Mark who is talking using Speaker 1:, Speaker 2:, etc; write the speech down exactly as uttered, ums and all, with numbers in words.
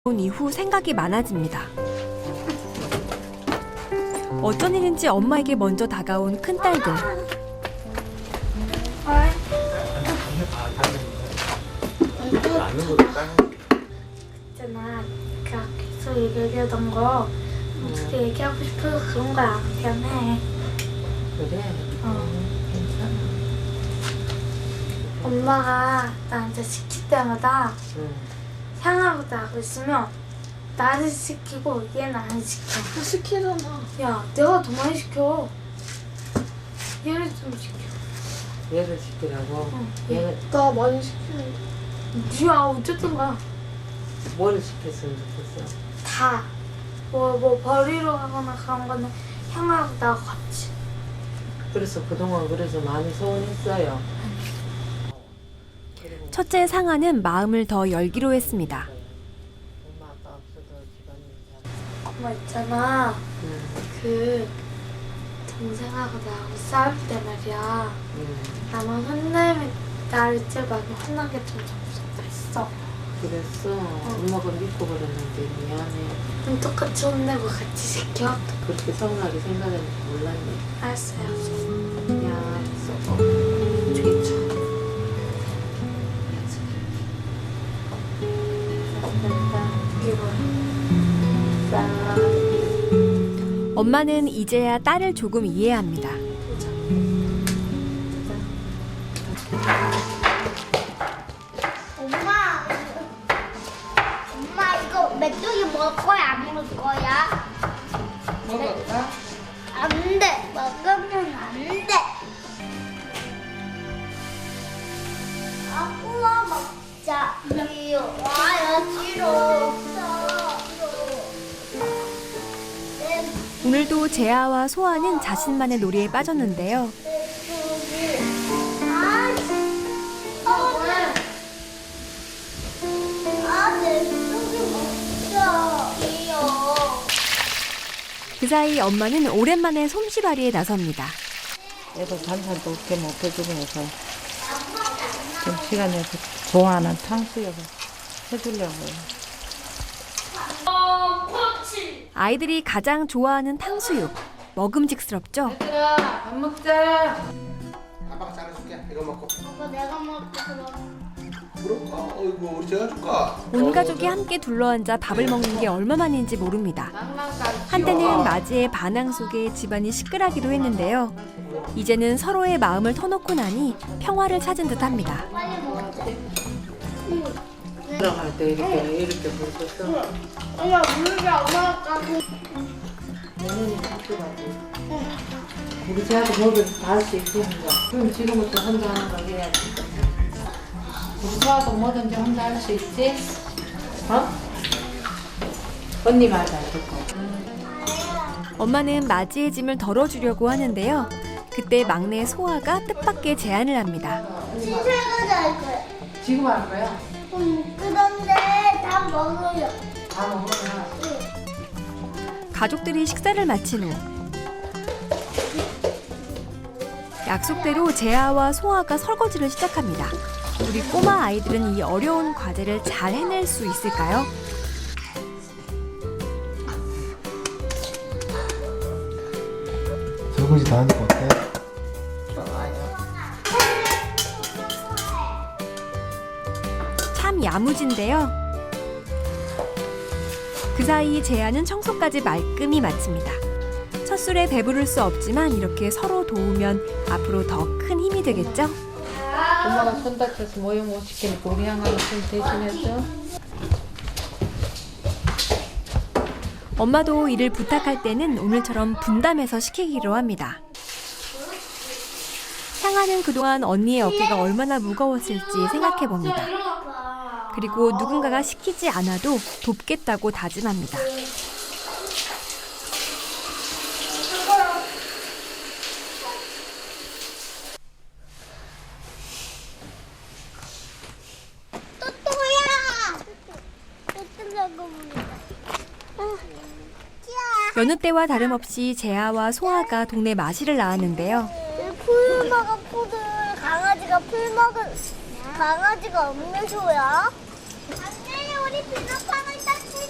Speaker 1: 이후 생각이 많아집니다. 어쩐 일인지 엄마에게 먼저 다가온 큰딸들.
Speaker 2: 있잖아, 그 계속 얘기하던 거 어떻게 얘기하고 싶어서 그런 거야. 미안해.
Speaker 3: 그래?
Speaker 2: 어.
Speaker 3: 괜찮아.
Speaker 2: 엄마가 나한테 시킬 때마다
Speaker 3: 응.
Speaker 2: 향하고 나고 있으면 나를 시키고 얘는 안 시켜.
Speaker 4: 시키잖아.
Speaker 2: 야, 내가 더 많이 시켜. 얘를 좀 시켜.
Speaker 3: 얘를 시키라고?
Speaker 2: 응.
Speaker 3: 얘는
Speaker 4: 나 많이 시키는데.
Speaker 2: 니야, 어쨌든가
Speaker 3: 뭐를 시켰으면 좋겠어?
Speaker 2: 다. 뭐, 뭐 버리러 가거나 그런 거는 향하고 나고 같이.
Speaker 3: 그래서 그동안 그래서 많이 서운했어요.
Speaker 1: 첫째 상아는 마음을 더 열기로 했습니다.
Speaker 3: 엄마 아빠 없어도 집안일 잘.
Speaker 2: 엄마 있잖아.
Speaker 3: 응.
Speaker 2: 그 동생하고 나하고 싸울 때 말이야.
Speaker 3: 응.
Speaker 2: 나만 혼내면 나를 제일 많이 혼나게 좀 무섭다 했어.
Speaker 3: 그랬어? 엄마가 믿고 그랬는데 미안해.
Speaker 2: 그럼 똑같이 혼내고 같이 시켜.
Speaker 3: 그렇게 서운하게 생각했는지 몰랐네.
Speaker 2: 알았어요.
Speaker 3: 야, 써. 저기 쳐.
Speaker 2: 이게 뭐야?
Speaker 1: 엄마는 이제야 딸을 조금 이해합니다.
Speaker 5: 엄마, 엄마 이거 메뚜기 먹을 거야? 안 먹을 거야?
Speaker 3: 먹을까?
Speaker 5: 안 돼. 먹으면 안 돼. 아, 구워 먹자. 이요. 와요, 싫어.
Speaker 1: 오늘도 재아와 소아는 자신만의 놀이에 빠졌는데요.
Speaker 5: 아, 아, 아, 메뚜기 먹자. 이요.
Speaker 1: 그 사이 엄마는 오랜만에 솜씨발이에 나섭니다.
Speaker 3: 애도 반찬도 없게 먹혀주면서 좀 시간에 좋아하는 탕수육을 해주려고요.
Speaker 1: 아이들이 가장 좋아하는 탕수육. 먹음직스럽죠?
Speaker 3: 얘들아, 밥 먹자.
Speaker 6: 아빠가 잘해줄게. 이거 먹고.
Speaker 5: 아빠 내가 먹을게 그럼.
Speaker 6: 그럴까? 어이구 우리 제가 줄까?
Speaker 1: 온 가족이 함께 둘러앉아 밥을 먹는 게 얼마만인지 모릅니다. 한때는 맞이의 반항 속에 집안이 시끌하기도 했는데요. 이제는 서로의 마음을 터놓고 나니 평화를 찾은 듯합니다.
Speaker 5: 빨리 먹자.
Speaker 3: 들어갈 때 이렇게 이렇게 불었어.
Speaker 5: 엄마 물자 엄마가 가고.
Speaker 3: 내년에 학교 가지. 우리 제아도 먹을 다 할 수 있으니까. 그럼 지금부터 혼자 하는 거 해야지. 우리 소아도 뭐든지 혼자 할 수 있지? 어? 언니 말 잘 듣고.
Speaker 1: 엄마는 맞이의 짐을 덜어주려고 하는데요. 그때 막내 소아가 뜻밖의 제안을 합니다.
Speaker 5: 신세가자 할 거야.
Speaker 3: 지금 할 거야?
Speaker 5: 음, 그런데 다 먹어요.
Speaker 3: 다 먹으면.
Speaker 1: 가족들이 식사를 마친 후 약속대로 재아와 소아가 설거지를 시작합니다. 우리 꼬마 아이들은 이 어려운 과제를 잘 해낼 수 있을까요?
Speaker 6: 설거지 다 하니까 어때?
Speaker 1: 참 야무진데요. 그 사이 재아는 청소까지 말끔히 마칩니다. 첫 술에 배부를 수 없지만 이렇게 서로 도우면 앞으로 더 큰 힘이 되겠죠?
Speaker 3: 엄마가 손 다쳐서 모형 못 시키니까 우리 양아가 좀 대신했어.
Speaker 1: 엄마도 일을 부탁할 때는 오늘처럼 분담해서 시키기로 합니다. 향아는 그동안 언니의 어깨가 얼마나 무거웠을지 생각해봅니다. 그리고 누군가가 시키지 않아도 돕겠다고 다짐합니다.
Speaker 5: 또또야. 또또라고 부른다.
Speaker 1: 여느 때와 다름없이 재아와 소아가 동네 마실을 나왔는데요.
Speaker 5: 풀 먹은 포들 강아지가 풀 먹은 강아지가 음료수야? 안돼 우리 비눗방울 땄지.